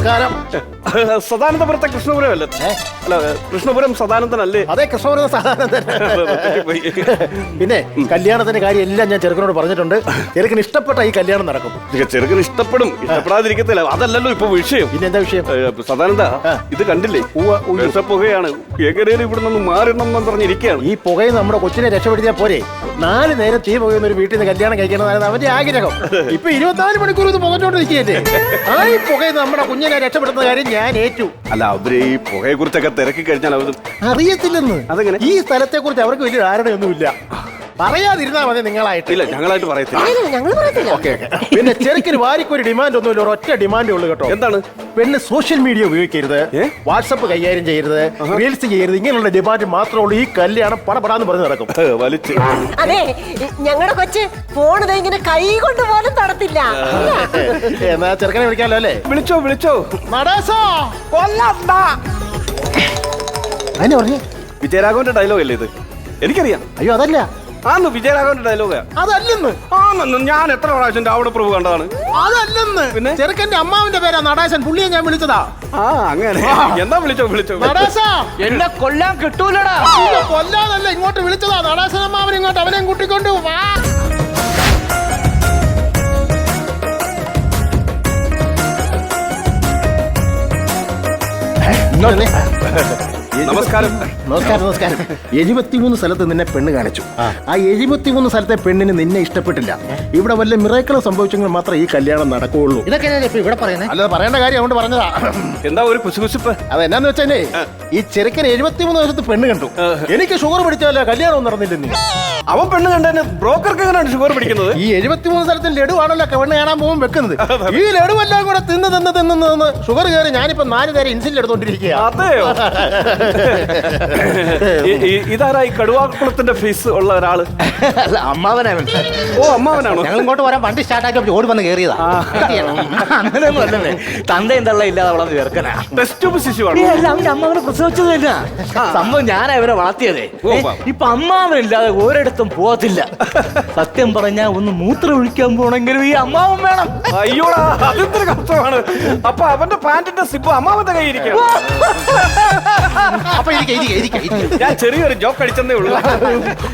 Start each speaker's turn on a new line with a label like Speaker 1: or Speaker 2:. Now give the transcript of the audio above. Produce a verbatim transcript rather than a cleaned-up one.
Speaker 1: നമസ്കാരം.
Speaker 2: സദാനന്ദപുരത്തെ കൃഷ്ണപുരം അല്ലേ? അല്ല, കൃഷ്ണപുരം സദാനന്ദനല്ലേ?
Speaker 1: അതെ, കൃഷ്ണപുരം സദാനന്ദൻ. പിന്നെ കല്യാണത്തിന്റെ കാര്യം എല്ലാം ഞാൻ ചെറുക്കനോട് പറഞ്ഞിട്ടുണ്ട്. ചെറുക്കന് ഇഷ്ടപ്പെട്ട ഈ കല്യാണം നടക്കും.
Speaker 2: ചെറുക്കന് ഇഷ്ടപ്പെടും, ഇഷ്ടപ്പെടാതിരിക്കത്തില്ല. അതല്ലല്ലോ ഇപ്പൊ വിഷയം.
Speaker 1: പിന്നെ എന്താ വിഷയം?
Speaker 2: സദാനന്ദ, ഇത് കണ്ടില്ലേ? പുകയാണ്. എങ്ങനെയും ഇവിടെ നിന്ന് മാറണം എന്ന് പറഞ്ഞിരിക്കുകയാണ്.
Speaker 1: ഈ പുകയിൽ നമ്മുടെ കൊച്ചിനെ രക്ഷപ്പെടുത്തിയാൽ പോരെ? നാല് നേരം തീ പുകയുന്ന ഒരു വീട്ടിൽ നിന്ന് കല്യാണം കഴിക്കണമെന്നാണ് അവന്റെ ആഗ്രഹം. ഇപ്പൊ ഇരുപത്തിനാല് മണിക്കൂർ ഇത് പുകച്ചോണ്ടിരിക്കുകയല്ലേ? ആ ഈ പുകയിൽ നമ്മുടെ കുഞ്ഞിനെ രക്ഷപ്പെടുത്തുന്ന കാര്യം ഞാൻ ഏറ്റു.
Speaker 2: അല്ല, അവര് ഈ പുകയെ കുറിച്ചൊക്കെ തിരക്കി കഴിഞ്ഞാൽ അവർ
Speaker 1: അറിയത്തില്ലെന്ന്.
Speaker 2: അതെങ്ങനെ?
Speaker 1: ഈ സ്ഥലത്തെ കുറിച്ച് അവർക്ക് വലിയ ധാരണയൊന്നുമില്ല. പറയാതിരുന്നാ മതി നിങ്ങളായിട്ട്.
Speaker 2: ഇല്ല, ഞങ്ങളായിട്ട് പറയത്തില്ല.
Speaker 1: ഓക്കെ. പിന്നെ ചെറുക്കിന് വാരിക്കൊരു ഡിമാൻഡ് ഒന്നുമില്ല, ഒരു ഒറ്റ ഡിമാൻഡേ ഉള്ളൂ കേട്ടോ.
Speaker 2: എന്താണ്?
Speaker 1: പെണ്ണ് സോഷ്യൽ മീഡിയ ഉപയോഗിക്കരുത്, വാട്സപ്പ് കൈകാര്യം ചെയ്യരുത്, റീൽസ് ചെയ്യരുത്. ഇങ്ങനെയുള്ള ഡിമാൻഡ് മാത്രമേ ഉള്ളൂ. ഈ കല്യാണം പടപടാന്ന് പറഞ്ഞ് നടക്കും.
Speaker 2: വലിച്ച്
Speaker 3: അതെ, ഞങ്ങളുടെ കൊച്ച് ഫോൺ ഇങ്ങനെ കൈ കൊണ്ട് പോലും തടത്തില്ല.
Speaker 1: എന്നാ ചെറുക്കനെ വിളിക്കാമല്ലോ അല്ലേ?
Speaker 2: വിളിച്ചോ വിളിച്ചോ.
Speaker 1: നടേശാ, അതിനെ പറഞ്ഞു.
Speaker 2: വിജയരാഘവന്റെ ഡയലോഗ് അല്ലേ ഇത്? എനിക്കറിയാം.
Speaker 1: അയ്യോ അതല്ല.
Speaker 2: ആന്ന് വിജയരാഘവന്റെ ഡയലോഗാ.
Speaker 1: അതല്ലെന്ന്.
Speaker 2: ആണെന്ന് ഞാൻ എത്ര പ്രാവശ്യം രാവണ പ്രഭു കണ്ടതാണ്.
Speaker 1: അതല്ലെന്ന്.
Speaker 2: പിന്നെ
Speaker 1: ചെറുക്കന്റെ അമ്മാവിന്റെ പേരാ നടേശൻ. പുള്ളിയെ ഞാൻ വിളിച്ചതാ.
Speaker 2: ആ അങ്ങനെ. എന്താ വിളിച്ചോ വിളിച്ചോ.
Speaker 1: നടേശാ,
Speaker 4: എന്നെ കൊല്ലാൻ കിട്ടൂലടാ.
Speaker 1: കൊല്ലാന്നല്ല, ഇങ്ങോട്ട് വിളിച്ചതാ. നടേശൻ അമ്മാവൻ ഇങ്ങോട്ട് അവനെയും കൂട്ടിക്കൊണ്ട് വാ.
Speaker 2: നമസ്കാരം.
Speaker 1: നമസ്കാരം നമസ്കാരം. എഴുപത്തിമൂന്ന് സ്ഥലത്ത് നിന്നെ പെണ്ണ് കാണിച്ചു. ആ എഴുപത്തിമൂന്ന് സ്ഥലത്തെ പെണ്ണിന് നിന്നെ ഇഷ്ടപ്പെട്ടില്ല. ഇവിടെ വല്ല മിറേക്കളും സംഭവിച്ചെങ്കിൽ മാത്രമേ ഈ കല്യാണം നടക്കുകയുള്ളൂ.
Speaker 4: ഇതൊക്കെ ഇപ്പൊ ഇവിടെ പറയുന്നത്.
Speaker 1: അല്ലാതെ പറയേണ്ട കാര്യം അതുകൊണ്ട് പറഞ്ഞതാ.
Speaker 2: എന്താ ഒരു കുശുകുശുപ്പ്?
Speaker 1: അതെന്നാന്ന് വെച്ചേ, ഈ ചെറുക്കൻ എഴുപത്തിമൂന്ന് ദിവസത്ത് പെണ്ണ് കണ്ടു. എനിക്ക് ഷുഗർ പിടിച്ചാലോ കല്യാണം നടന്നില്ലെന്ന്.
Speaker 2: അവൻ പെണ്ണ് കണ്ടതിന് ബ്രോക്കർക്ക് എങ്ങനെയാണ് ഷുഗർ പിടിക്കുന്നത്?
Speaker 1: ഈ എഴുപത്തിമൂന്ന് സ്ഥലത്തിൽ ലഡു ആണല്ലോ പെണ്ണ് കാണാൻ പോകുമ്പോൾ വെക്കുന്നത്. ഈ ലഡു എല്ലാം കൂടെ തിന്ന് തിന്ന് തിന്ന് തിന്ന് ഷുഗർ കയറി ഞാനിപ്പോ നാല് നേരം ഇൻസുലിൻ എടുത്തോണ്ടിരിക്കുക.
Speaker 2: അതെയോ? ഇതാരാ ഈ കടുവാക്കുളത്തിന്റെ ഫേസ് ഉള്ള ഒരാള്?
Speaker 4: അമ്മാവനാണ്.
Speaker 2: ഓ, അമ്മാവനാണോ?
Speaker 4: ഞങ്ങൾ ഇങ്ങോട്ട് വരാൻ വണ്ടി സ്റ്റാർട്ടാക്കി ഓടി വന്ന് കയറിയതാ. അങ്ങനെയൊന്നും അല്ലേ. തന്തയും തള്ള ഇല്ലാതെ വളർന്ന് ചേർക്കനാ.
Speaker 2: Test tube ശിശുവാണ്.
Speaker 4: അവന്റെ അമ്മാവനെ പ്രസവിച്ചത് തന്നെ സംഭവം. ഞാനാ ഇവരെ വളർത്തിയതേ. ഇപ്പൊ അമ്മാവനില്ലാതെ ഒരിടത്തും പോകത്തില്ല. സത്യം പറഞ്ഞാ ഒന്ന് മൂത്രം ഒഴിക്കാൻ പോണെങ്കിലും ഈ അമ്മാവൻ വേണം.
Speaker 2: അയ്യോടാ, അതെന്തൊരു കഷ്ടമാണ്. അപ്പൊ അവന്റെ പാന്റിന്റെ സിബ് അമ്മാവന്റെ കൈ ഇരിക്കും.
Speaker 1: അപ്പൊ ഇരിക്ക ഇരിക്ക ഇരിക്ക.
Speaker 2: ഞാൻ ചെറിയൊരു ജോക്ക് അടിച്ചെന്നേ ഉള്ളൂ.